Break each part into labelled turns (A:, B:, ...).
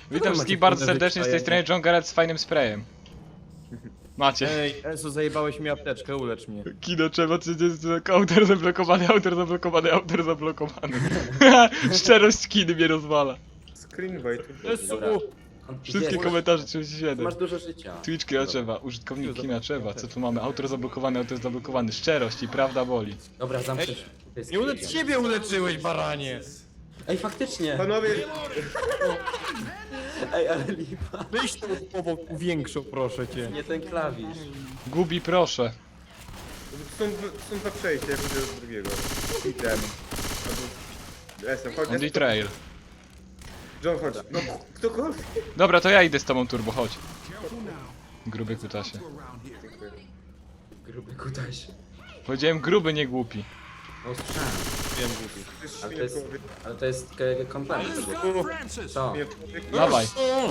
A: Witam wszystkich bardzo serdecznie, z tej strony John Garrett z fajnym sprayem. Macie.
B: Ej, Enzo, zajebałeś mi apteczkę, ulecz mnie.
A: Kino trzeba, czy jest autor zablokowany, autor zablokowany, autor zablokowany. Szczerość kiny mnie rozwala.
C: Screen wait.
B: Enzo!
A: Wszystkie komentarze 37.
D: Masz dużo życia.
A: Twitch Kiaczewa, użytkownik Kiaczewa, co tu mamy? Autor zablokowany, szczerość i prawda boli.
D: Dobra, zamknij.
B: Nie ulecz siebie uleczyłeś, baranie!
D: Ej, faktycznie!
C: Panowie,
D: Ej, ale lipa.
B: Weź tą powłoku większą, proszę cię.
D: Nie ten klawisz.
A: Gubi proszę.
C: są dwa przejścia, ja pójdę do drugiego. Item. Jestem, chodź.
A: On the trail.
C: John, chodź. No, ktokolwiek.
A: Dobra, to ja idę z tobą turbo, chodź. Gruby kutasie.
C: Dziękuję.
D: Gruby kutasie.
A: Powiedziałem gruby, nie głupi.
D: No słyszałem.
B: Wiem, głupi.
D: Ale to jest komplement. Co?
A: Dawaj.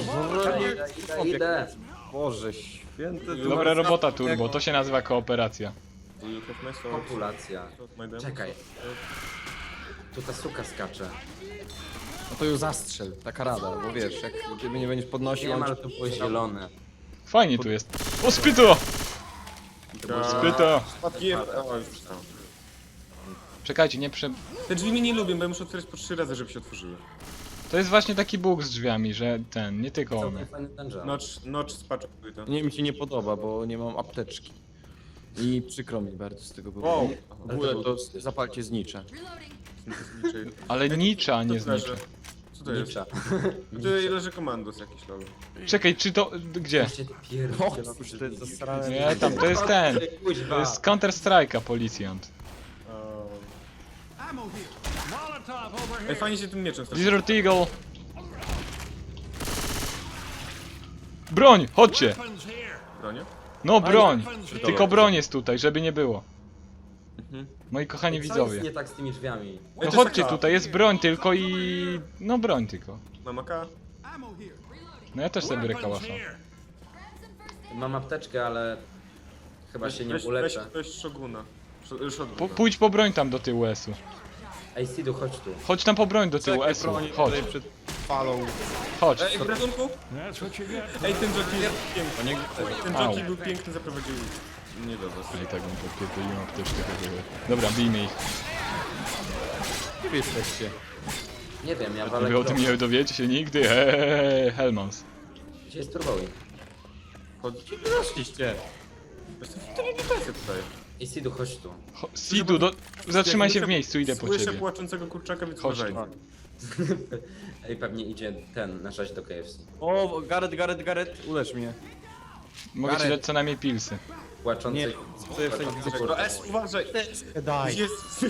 D: Idę.
B: Boże święty.
A: Dobra robota turbo, to się nazywa kooperacja.
D: Populacja. Czekaj. Tu ta suka skacze.
B: No to ją zastrzel, taka rada, bo wiesz, jak ty mnie nie będziesz podnosił,
D: Nie
B: on
D: ma, ale to było zielone.
A: Fajnie tu jest. O, spyto! Spyto! Czekajcie, nie prze...
E: Te drzwi mnie nie lubią, bo ja muszę otwierać po 3 razy, żeby się otworzyły.
A: To jest właśnie taki bóg z drzwiami, że nie tylko one.
D: Całkiem fajny dungeon.
E: Notch spaczuje to.
B: Nie, mi się nie podoba, bo nie mam apteczki. I przykro mi bardzo z tego
E: Wow.
B: powodu. W ogóle to zapalcie znicze.
A: Ale nicza, a nie znicza.
E: Co to jest?
D: Nicza.
E: Tu leży komandos jakiś lol.
A: Czekaj, czy to... gdzie?
D: Gdzie ty
B: O, cóż, to jest zasrane.
A: Nie, tam, to jest ten.
D: Kuźwa.
A: To jest Counter Strike'a, policjant.
E: Ej, fajnie się tym mieczem straszy.
A: Desert Eagle. Broń, chodźcie!
E: Bronie?
A: No broń! Tylko broń jest tutaj, żeby nie było. Moi kochani
D: Co jest
A: widzowie.
D: nie tak z tymi drzwiami?
A: No chodźcie tutaj, jest broń tylko i... No broń tylko.
E: Mam AK?
A: No ja też sobie biorę kałasza.
D: Mam apteczkę, ale chyba się nie uleczę.
E: Weź Shoguna. Shotguna.
A: Pójdź po broń tam do tyłu S-u.
D: Ej, Sidu, chodź tu.
A: Chodź tam po broń do tyłu S-u. Chodź,
B: Tutaj przed falą.
A: chodź.
E: Ej, w ratunku? Ej, ten jockey jest piękny. Ten
A: Au.
E: jockey był piękny, zaprowadził mnie do was.
A: I tak bym podpierdolił apteczkę. Dobra, bijmy ich.
B: Gdzie wy jesteście?
D: Nie wiem, ja walę
A: Wy o tym
D: krok.
A: nie dowiecie się nigdy. Hellmans.
D: Gdzie jest Turbowi?
B: Weszliście.
E: To nie defensy tutaj.
D: Ej, Sidu, chodź tu.
A: Sidu, zatrzymaj się w miejscu, idę po
E: Słyszę
A: ciebie.
E: płaczącego kurczaka, więc
A: Chodź.
E: uważajcie.
D: Ej, pewnie idzie ten, na do KFC.
B: O, Gareth, ulecz mnie.
A: Mogę ci
B: Gareth.
A: dać co najmniej pilsy.
D: Płaczący...
B: Nie, co ja
D: płaczący
B: wtedy
E: No S, uważaj!
B: Daj.
E: Jest!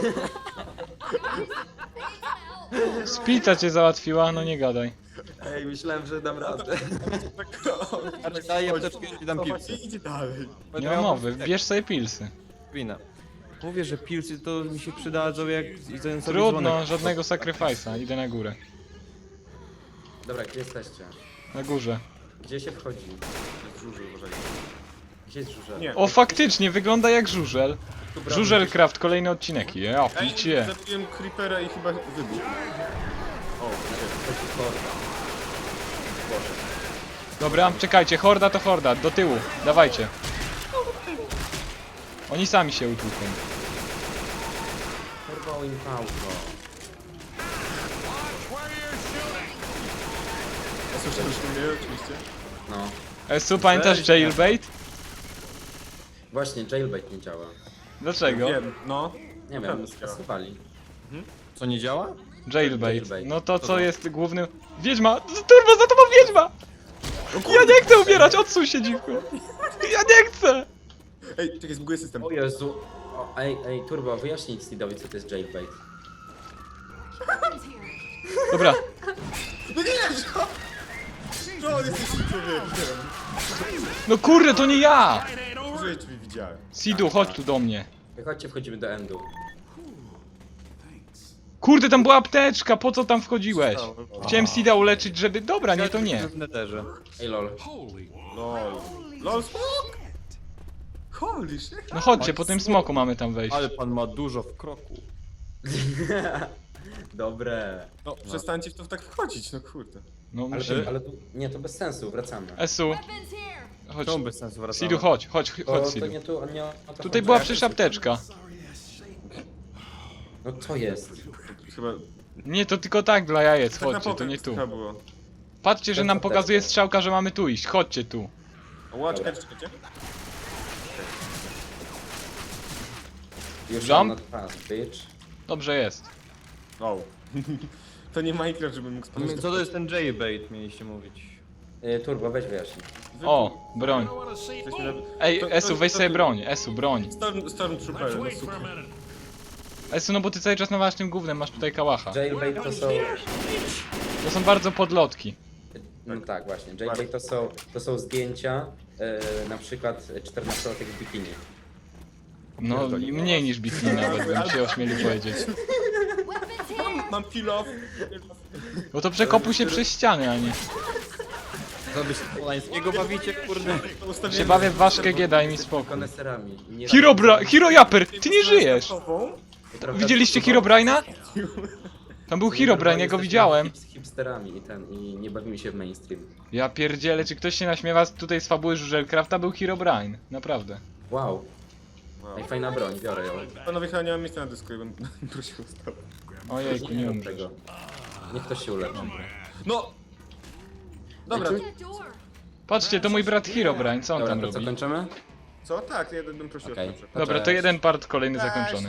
A: Spica cię załatwiła, no nie gadaj.
D: Ej, myślałem, że dam radę.
B: Daj apteczkę i dam
E: Chodź,
B: pilsy.
E: idzie dalej.
A: Nie ma mowy, bierz sobie pilsy.
B: Wina. Mówię, że pilsy to mi się przydadzą jak i ten sobie
A: Trudno,
B: dzwonek.
A: żadnego sacrifice'a, idę na górę.
D: Dobra, gdzie jesteście?
A: Na górze.
D: Gdzie się wchodzi?
E: Żuży, uważajcie.
D: Gdzie jest żużel?
E: Nie.
A: O, faktycznie, wygląda jak żużel.
D: Tu brawo.
A: Żużelcraft, kolejny odcinek. Ja,
E: Ej,
A: picie.
E: zabiłem creepera i chyba wybuchł. O,
D: Chodzi horda. Boże.
A: Dobra, czekajcie, horda to horda, do tyłu, dawajcie. Oni sami się utłuką.
D: Turbo Impauto.
E: słyszeliśmy mnie oczywiście.
D: No.
A: Esu, pamiętasz jailbait?
D: Właśnie, jailbait nie działa.
A: Dlaczego?
E: Wiem, no.
D: Nie wiem,
E: Naprawdę działa.
D: skasowali.
B: Co, nie działa?
A: Jailbait.
D: Jailbait.
A: No to co jest głównym... Wiedźma! Turbo, za tobą wiedźma! Ja nie chcę umierać, odsuń się dziwko! Ja nie chcę!
E: Ej, czekaj, zbuguję system.
D: O Jezu. O, ej, Turbo, wyjaśnij Sidowi, co to jest jailbait.
A: Dobra,
E: No nie! No, jesteś człowiekiem.
A: no kurde, to nie ja!
E: Użyję drzwi, widziałem.
A: Sidu, chodź tu do mnie.
D: Chodźcie, wchodzimy do endu.
A: Kurde, tam była apteczka, po co tam wchodziłeś? Chciałem Sida uleczyć, żeby... Dobra, nie, to nie.
B: W neterze.
D: Ej, lol.
E: LOL. LOL, smok! Holy shit.
A: No chodźcie, po tym smoku mamy tam wejść.
B: Ale pan ma dużo w kroku.
D: Dobre.
E: No, przestańcie w to tak wchodzić, no kurde.
A: No
D: Ale,
A: musimy.
D: ale nie, to bez sensu, wracamy.
A: Esu, chodź.
E: Czemu bez sensu wracamy?
A: Sidu, chodź, chodź,
D: To,
A: chodź,
D: to
A: Sidu.
D: nie tu, nie o to
A: Tutaj
D: chodzi.
A: była przecież apteczka.
D: No co jest?
C: Chyba...
A: Nie, to tylko tak dla jajec,
C: Tak na
A: chodźcie, to
C: pokaz
A: nie tu.
C: chyba było.
A: Patrzcie, że
D: To
A: nam
D: apteczka.
A: pokazuje strzałka, że mamy tu iść, chodźcie tu.
C: O, czekajcie.
D: Już
A: Jump?
D: mam not fast, bitch.
A: Dobrze jest.
C: O. To nie Minecraft, żebym mógł spadać.
E: Co to jest ten J-bait, mieliście mówić?
D: Turbo, weź wyjaśnij.
A: O, broń.
C: Jesteśmy na...
A: Ej,
C: To-
A: Esu,
C: to-
A: weź
C: to-
A: sobie broń, Esu, broń.
C: Stormtrooper, no super.
A: Esu, no bo ty cały czas nawałasz tym gównem, masz tutaj kałacha.
D: Jailbait
A: To są bardzo podlotki.
D: No tak, właśnie. Jailbait to są zdjęcia, na przykład 14-latek w bikini.
A: No, i mniej niż bikini nawet, bym się ośmielił powiedzieć.
C: Mam kill off.
A: Bo to przekopuj się przez ściany, a nie.
E: Co wy się Polańskiego bawicie, kurde?
A: Się bawię w ważkę G, daj mi spokój.
D: Koneserami. Nie
A: Hero Japer, ty nie żyjesz! Widzieliście Herobrine'a? Tam był Herobrine, ja go widziałem.
D: Z hipsterami i nie bawimy się w mainstream.
A: Ja pierdzielę, czy ktoś się naśmiewa tutaj z fabuły Żużelcrafta? Był Herobrine, naprawdę.
D: Wow. Ej, fajna broń, biorę ją.
C: Panowie, chyba nie mam miejsca na dysku, ja bym prosił o stop.
A: Ojejku, nie
D: rób
A: umrzesz.
D: tego. Niech ktoś się uleczy.
C: No! Dobra,
A: Patrzcie, to mój brat Herobrine, co on
D: Dobra,
A: tam
D: to co,
A: robi?
D: kończymy?
C: co? Tak, ja bym prosił
D: Okej.
C: o stop.
A: Dobra, to jeden part kolejny zakończony.